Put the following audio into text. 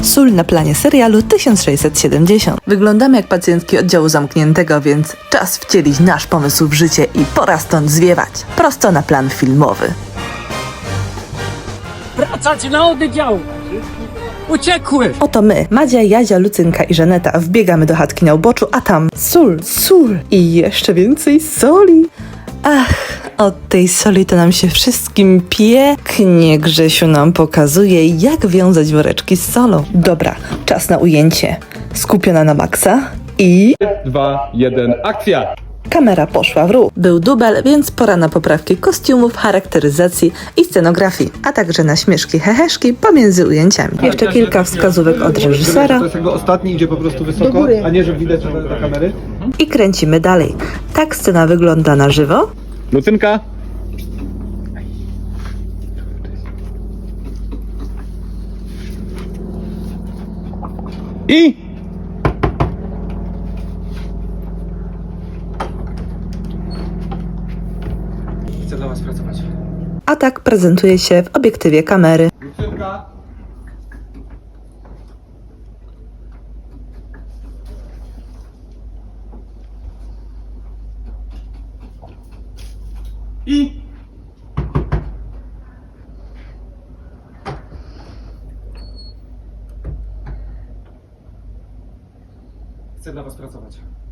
Sól na planie serialu 1670. Wyglądamy jak pacjentki oddziału zamkniętego, więc czas wcielić nasz pomysł w życie i pora stąd zwiewać. Prosto na plan filmowy. Wracać na oddział! Uciekły! Oto my, Madzia, Jadzia, Lucynka i Żaneta, wbiegamy do chatki na uboczu, a tam sól i jeszcze więcej soli. Ach, od tej soli to nam się wszystkim pięknie. Grzesiu nam pokazuje, jak wiązać woreczki z solą. Dobra, czas na ujęcie. Skupiona na maksa i... 2, 1, akcja! Kamera poszła w ruch. Był dubel, więc pora na poprawki kostiumów, charakteryzacji i scenografii, a także na śmieszki, heheszki pomiędzy ujęciami. Jeszcze kilka wskazówek od reżysera To jest jego ostatni, idzie po prostu wysoko, a nie, że widać na kamery. i kręcimy dalej. Tak scena wygląda na żywo. Lucynka! I... Chcę dla was pracować. A tak prezentuje się w obiektywie kamery. Lucynka! I... Chcę dla was pracować.